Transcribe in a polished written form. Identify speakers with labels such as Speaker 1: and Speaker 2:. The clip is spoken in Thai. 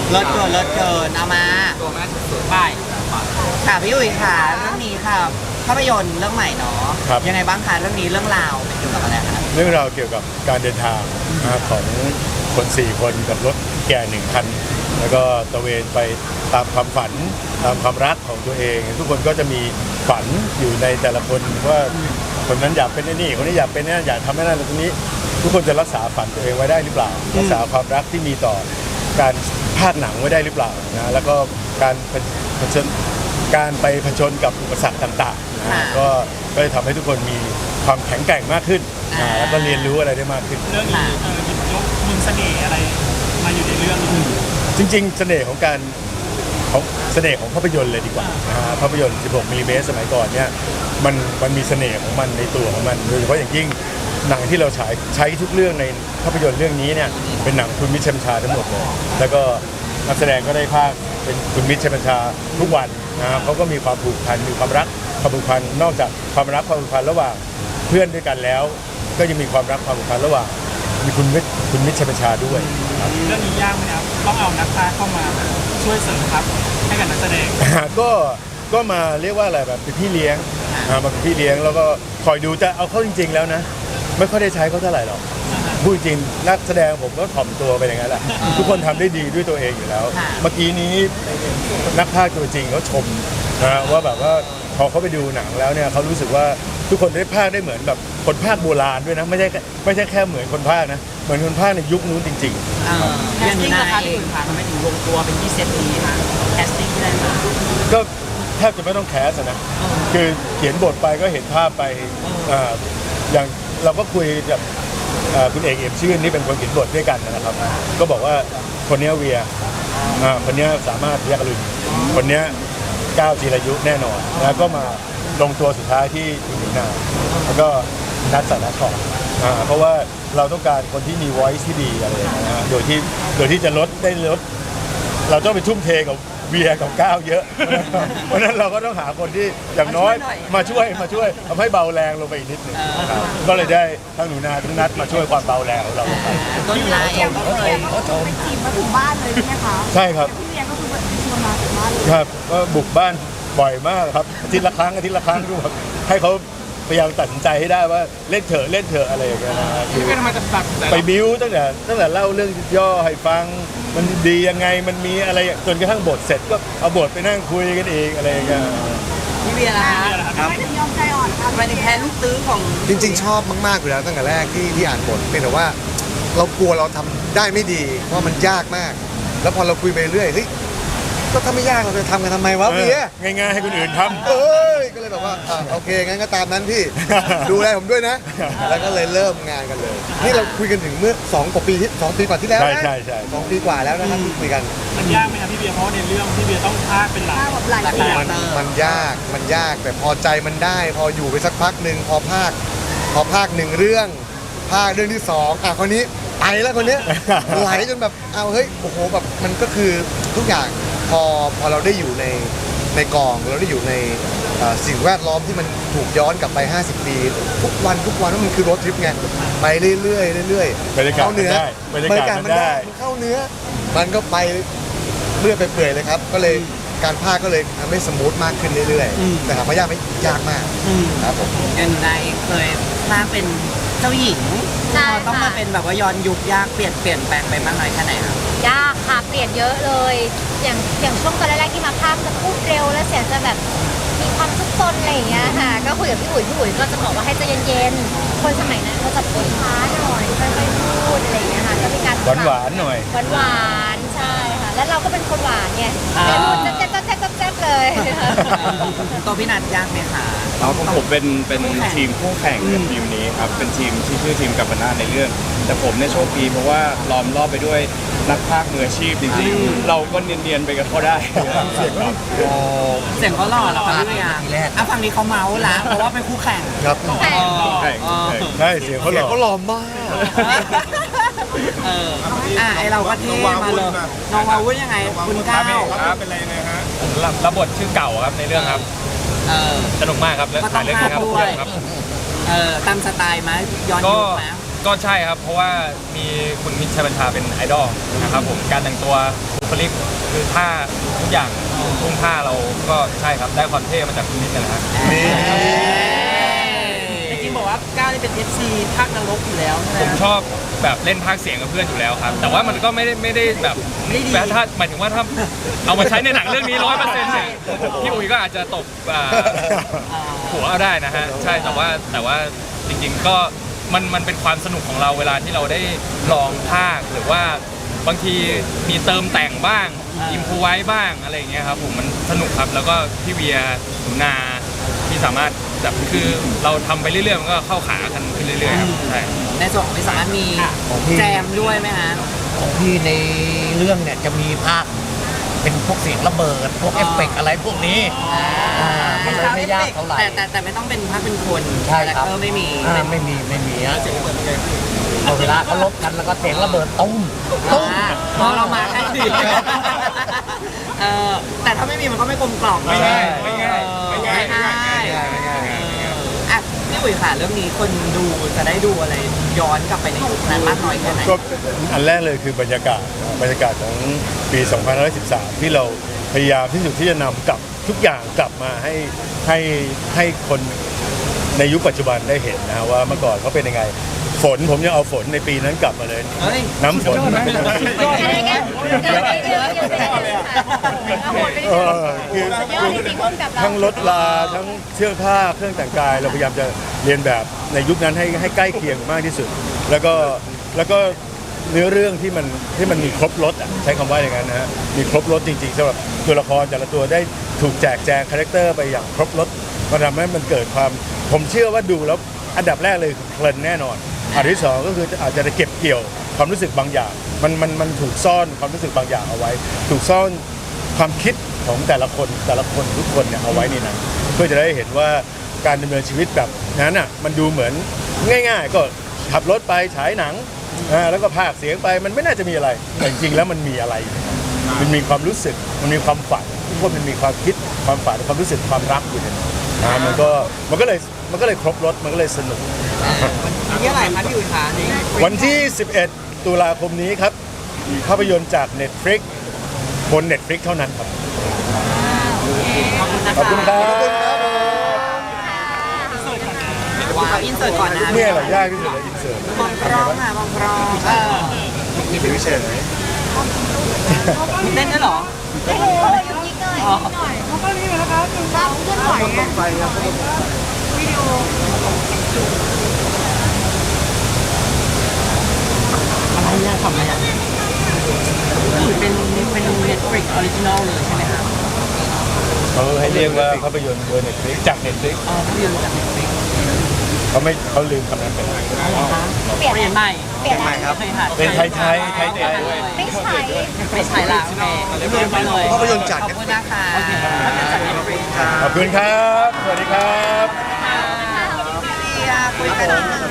Speaker 1: เลิศเกินเลิศเกินเอามา
Speaker 2: ตัวแม่สุด
Speaker 1: ไปค่ะพี่อุ๋ยค่ะเรื่องนี้ค่ะภาพยนตร์เรื่องใหม่เนาะยังไงบ้างคะเรื่องนี้เรื่องราวเป็นเกี่ยวกับอะไรคะ
Speaker 3: เรื่องราวเกี่ยวกับการเดินทางนะครับของคน4 คนกับรถแก่1 คันแล้วก็ตระเวนไปตามความฝันตามความรักของตัวเอง ทุกคนก็จะมีฝันอยู่ในแต่ละคนว่าคนนั้นอยากเป็นนี่คนนี้อยากเป็นนี่อยากทำให้นั่นตรงนี้ทุกคนจะรักษาฝันตัวเองไว้ได้หรือเปล่ารักษาความรักที่มีต่อการภาคหนังไว้ได้หรือเปล่านะแล้วก็การไปผจญกับอุปสรรคต่างๆนะก็จะทำให้ทุกคนมีความแข็งแกร่งมากขึ้นแล้วก็เรียนรู้อะไรได้มากขึ้น
Speaker 2: เรื่องนี้หยิบยกมุมเสน่ห์อะไรมาอยู่ในเรื่องนี้
Speaker 3: จริงๆเสน่ห์ของภาพยนตร์เลยดีกว่าภาพยนตร์ 16 มิลลิเมตรสมัยก่อนเนี่ยมันมีเสน่ห์ของมันในตัวของมันโดยเฉพาะอย่างยิ่งหนังที่เราใช้ทุกเรื่องในภาพยนตร์เรื่องนี้เนี่ยเป็นหนังคุณมิตรชัยบัญชาทั้งหมดเลยแล้วก็นักแสดงก็ได้ภาคเป็นคุณมิตรชัยบัญชาทุกวันนะครับเขาก็มีความผูกพันมีความรักความผูกพันนอกจากความรักความผูกพันระหว่างเพื่อนด้วยกันแล้วก็ยังมีความรักความผูกพันระหว่างมีคุณมิตรชัยบัญชาด้วย
Speaker 2: เรื่องนี้ยากไหมครับต้องเอานักพากย์เข้ามาช่วยเสริมทัพให้กับนักแสดง
Speaker 3: ก็มาเรียกว่าอะไรแบบเป็นพี่เลี้ยงมาเป็นพี่เลี้ยงแล้วก็คอยดูจะเอาเข้าจริงๆแล้วนะไม่ค่อยได้ใช้เขาเท่าไหร่หรอกพูดจริงนักแสดงผมก็ถ่อมตัวไปอย่างนั้นแหละทุกคนทำได้ดีด้วยตัวเองอยู่แล้วเมื่อกี้นี้นักพากย์ตัวจริงเขาชมนะว่าแบบว่าพอเขาไปดูหนังแล้วเนี่ยเขารู้สึกว่าทุกคนได้พากย์ได้เหมือนแบบคนพากย์โบราณด้วยนะไม่ใช่แค่เหมือนคนพากย์นะเหมือนคนพากย์ในยุคนู้นจริง
Speaker 1: ๆแคสติ้งราคาที่คุณพาทำให้ถึงลงตัวเป็นที่เซตนี้ค่ะแคสติ้งที่ได้มา
Speaker 3: ก็แทบจะไม่ต้องแคสนะคือเขียนบทไปก็เห็นภาพไปอย่างเราก็คุยกับคุณเอกเอี่ยมชื่นนี่เป็นคนเขียนบทด้วยกันนะครับก็บอกว่าคนนี้เวียคนนี้สามารถเรียกลุนคนนี้ก้าวจีรายุแน่นอนแล้วก็มาลงตัวสุดท้ายที่อินเดียนาแล้วก็นัดสารคอนเพราะว่าเราต้องการคนที่มี voice ที่ดีอะไรอย่างเงี้ยโดยที่จะลดเราต้องไปทุ่มเทกับเวียกับก้าวเยอะเพราะนั้นเราก็ต้องหาคนที่อย่างน้อยมาช่วยทำให้เบาแรงลงไปอีกนิดหนึ่งก็เลยได้ทั้งหนูนาทั้งนัดมาช่วยความเบาแรงของเราลงไป
Speaker 1: ต้นหนูนาเองก็เคย
Speaker 4: ไปจีบมาถึงบ้านเลยใช่ไหมคะ
Speaker 3: ใช่ครับ
Speaker 4: พี่เวียก็คือแบบชวนมาถึงบ้านเลย
Speaker 3: ครับก็บุกบ้านบ่อยมากครับอาทิตย์ละครั้งดูแบบให้เขาพยายามตัดสินใจให้ได้ว่าเล่นเถอะอะไรอย่างเงี้ยนะไปบิ้วตั้งแต่เล่าเรื่องย่อให้ฟังมันดียังไงมันมีอะไรจนกระทั่งบทเสร็จก็เอาบทไปนั่งคุยกันเองอะไรอย่างเงี้ย
Speaker 1: พี่เวียล่ะ
Speaker 4: ครับไม่ถึงยอมใจอ่อนครับ
Speaker 1: ไม่ได้แค่ลูกตื้อของ
Speaker 5: จริงๆชอบมากๆอยู่แล้วตั้งแต่แรกที่อ่านบทเป็นแต่ว่าเรากลัวเราทำได้ไม่ดีเพราะมันยากมากแล้วพอเราคุยไปเรื่อยเฮ้ยก็ถ้าไม่ยากเราจะทำกันทำไมวะเวีย
Speaker 3: ง่ายๆให้คนอื่นทำ
Speaker 5: ก็เลยแบบว่าโอเคงั้นก็ตามนั้นพี่ดูแลผมด้วยนะแล้วก็เลยเริ่มงานกันเลยนี่เราคุยกันถึงเมื่อ2 กว่าปีกว่าที่แล้วนะ
Speaker 3: ใช่
Speaker 5: 2 ปีกว่าแล้วนะครับที่คุยกัน
Speaker 2: มันยากไหมครับพี่เบียร์เพราะในเรื่องพี่เบียร์ต้องพากย์เป็นหลัก
Speaker 5: มันยากแต่พอใจมันได้พออยู่ไปสักพักหนึ่งพอภาค1 เรื่องภาคเรื่องที่2คนนี้ไปแล้วคนนี้ไหลจนแบบเฮ้ยโอ้โหแบบมันก็คือทุกอย่างพอเราได้อยู่ในกองเราได้อยู่ในสิ่งแวดล้อมที่มันถูกย้อนกลับไป50 ปีทุกวันว่ามันคือรถทริปไงไปเรื่อย
Speaker 3: เข้าเนื้อบรรยากาศมันได้
Speaker 5: เข้าเนื้อมันก็ไปเรื่อยไปเปื่อยเลยครับก็เลยการพากย์ก็เลยทำให้สมูทมากขึ้นเรื่อยๆแต่ถามว่ายากไหมยากมากครับผม
Speaker 1: ยังไงเคยพากย์เป็นเจ้าหญิงต้องมาเป็นแบบว่าย้อนยุคยากเปลี่ยนแปลงไปมากน้อยแค่ไหนครับ
Speaker 4: ยากค่ะเปลี่ยนเยอะเลยอย่างช่วงตอนแรกๆที่มาภาคจะพูดเร็วแล้วเสียงจะแบบมีความซุกซนอะไรอย่างเงี้ยค่ะก็คุยกับพี่อุ๋ยก็จะบอกว่าให้ใจเย็นๆคนสมัยนั้นเขาจะพูดช้าหน่อยค่อยๆพูดอะไรอย่างเงี้ยค่ะก็มีการ
Speaker 3: หวานหน่อย
Speaker 4: หวานใช่ค่ะแล้วเราก็เป็นคนหวานไงแต่พูดแจ๊บเลย
Speaker 1: ตัวพี่นัทยากไหมคะ
Speaker 6: ผมเป็นทีมคู่แข่งกับทีมนี้ครับเป็นทีมที่ชื่อทีมกัปนาในเรื่องแต่ผมเนี่ยโชคดีเพราะว่าล้อมรอบไปด้วยนักพากย์มืออาชีพจริงๆเราก็เนียนๆไปกับเขาได้
Speaker 1: เสียงเขาหล่อแล้วครับพี่เวียฝั่งนี้เขาเมาส์ละเพราะว่าเป็นคู่แข่ง
Speaker 5: ครับ
Speaker 3: ใช่เสียงเขาหล่อ
Speaker 5: มาก
Speaker 1: ไอเราก็เท่มาเลยน้องวาวุ้นยังไงคุณก้าว
Speaker 2: เป็นอะไรยังไงฮะ
Speaker 6: รับบทชื่อเก่าครับในเรื่องครับสนุกมากครับและถ่ายเรื่องนี้ครับ
Speaker 1: ตามสไตล์ไหมย้อนยุคไหม
Speaker 7: ก็ใช่ครับ เพราะว่ามีคุณมิตรชัยบัญชาเป็นไอดอลนะครับผมการแต่งตัวบุคลิกคือท่าทุกอย่างทุ่งท่าเราก็ใช่ครับได้ความเท่มาจากคุณมิตรนะครับ
Speaker 2: จริงๆบอกว่าก้าวนี่เป็น FC ภาคนรกอยู่แล้วใช่ไหม
Speaker 7: ผมชอบแบบเล่นพากย์เสียงกับเพื่อนอยู่แล้วครับ แต่ว่ามันก็ไม่ได้แบบ
Speaker 2: ไม่ได้ดี
Speaker 7: แบบถ้าหมายถึงว่าถ้าเอามาใช้ในหนังเรื่องนี้100%เนี่ยพี่อุ๋ยก็อาจจะตกหัวเอาได้นะฮะใช่แต่ว่าจริงๆก็มันเป็นความสนุกของเราเวลาที่เราได้ลองพากย์หรือว่าบางทีมีเติมแต่งบ้างอิมพูไว้บ้างอะไรอย่างเงี้ยครับผมมันสนุกครับแล้วก็พี่เวียหนูนาที่สามารถแบบคือเราทำไปเรื่อยๆมันก็เข้าขากันขึ้นเรื่อยๆครับใช่
Speaker 1: ในส่วนของพี่สามารถมีแจมด้วยไหมฮะ
Speaker 8: ของพี่ในเรื่องเนี่ยจะมีภาคเป็นพวกเสียงระเบิด พวกเอฟเฟกต์อะไรพวกนี้มันเลยไม่ยากเท่าไหร่
Speaker 1: แต่ไม่ต้องเป็นภาพเป็นคน
Speaker 8: ใช่ครับ
Speaker 1: ไม่มี
Speaker 8: ไม่มีฮะเอาเวลาเขาลบกันแล้วก็เสียงระเบิดตุ้มตุ้ม
Speaker 1: พอเรามาแค่ดีแต่ถ้าไม่มีมันก็ไม่กลมกล่อม
Speaker 7: ไม่ง่ายไม่ง่ายไม่ง่าย
Speaker 1: อ่ะพี่อุ๋ยค่ะเรื่องนี้คนดูจะได้ดูอะไรย้อนกลับไปในยุคนั้นมากน้อยแค่ไหน
Speaker 3: ก็อันแรกเลยคือบรรยากาศของปี 2513 ที่เราพยายามที่สุดที่จะนำกลับทุกอย่างกลับมาให้คนในยุคปัจจุบันได้เห็นนะว่าเมื่อก่อนเขาเป็นยังไงฝนผมยังเอาฝนในปีนั้นกลับมาเลย
Speaker 1: เฮ้ย
Speaker 3: น้ำฝน
Speaker 4: อะไรเงี้ยเยอะเลย
Speaker 3: คือ
Speaker 4: อดจริงๆร่วมกับเรา
Speaker 3: ทั้งรถลาทั้งเสื้อผ้าเครื่องแต่งกายเราพยายามจะเรียนแบบในยุคนั้นให้ใกล้เคียงมากที่สุด แล้วก็เนื้อเรื่องที่มันมีครบรถอ่ะใช้คำว่าอย่างนั้นนะฮะมีครบรถจริงๆสำหรับตัวละครแต่ละตัวได้ถูกแจกแจงคาแรคเตอร์ไปอย่างครบรถมันทำให้มันเกิดความผมเชื่อว่าดูแล้วอันดับแรกเลยคือเพลินแน่นอนอันที่สองก็คืออาจจะได้เก็บเกี่ยวความรู้สึกบางอย่างมันถูกซ่อนความรู้สึกบางอย่างเอาไว้ ถูกซ่อนความคิดของแต่ละคนทุกคนเนี่ยเอาไว้ในนั้นเพื่อจะได้เห็นว่าการดำเนินชีวิตแบบนั้นอ่ะมันดูเหมือนง่ายๆก็ขับรถไปฉายหนังแล้วก็พากย์เสียงไปมันไม่น่าจะมีอะไรแต่จริงๆแล้วมันมีอะไรมันมีความรู้สึกมันมีความฝันทุกคนมันมีความคิดความฝันความรู้สึกความรักอยู่ในนั้นมันก็เลยครบรถมันก็เลยสนุก
Speaker 1: นี่อะไรคะพี่อุ๋ยคะนี่
Speaker 3: วันที่ 11 ตุลาคมนี้ครับภาพยนตร์จาก Netflix บน Netflix เท่านั้นครับ ขอบคุณครับ
Speaker 1: ว้าวอินเสิร์ตก่อนนะ
Speaker 3: เนี่ยเหรอยากที่สุดเลยอินเสิร์ต
Speaker 1: มองกล้องค่ะมองกล้อง
Speaker 3: นี่เป็นวิเศษไหม
Speaker 1: เต้นด้วยเหรอ
Speaker 4: ยิงหน่อยยิงหน่อยเขาก็รีบแล้วครับรับเคลื่อนไหวไงวิดีโอ
Speaker 1: อะไรเนี่ยทำอะไรอ่ะเป็น Netflix Original เลยใช่ไหมครับ
Speaker 3: เขาให้เรียกว่าภาพยนตร์บน Netflix จาก Netflix
Speaker 1: อ๋อภาพยนตร์จาก Netflix
Speaker 3: เขาลืมคำนั้นไปแล้ว
Speaker 4: เปลี่ยน
Speaker 1: เปลี่ยนใหม่
Speaker 4: เปลี่ยนใหม่ครับ
Speaker 3: เป็นไทยไทย
Speaker 4: ไม่ใช่
Speaker 1: ไม่ใช่ละโอเคเรียนไปเลย
Speaker 5: ภาพยนตร์จาก
Speaker 1: ขอบคุณนะคะภาพยนตร์จาก Netflix ค่ะ
Speaker 3: ขอบคุณครับ สวัสดีครับ
Speaker 1: คุยกัน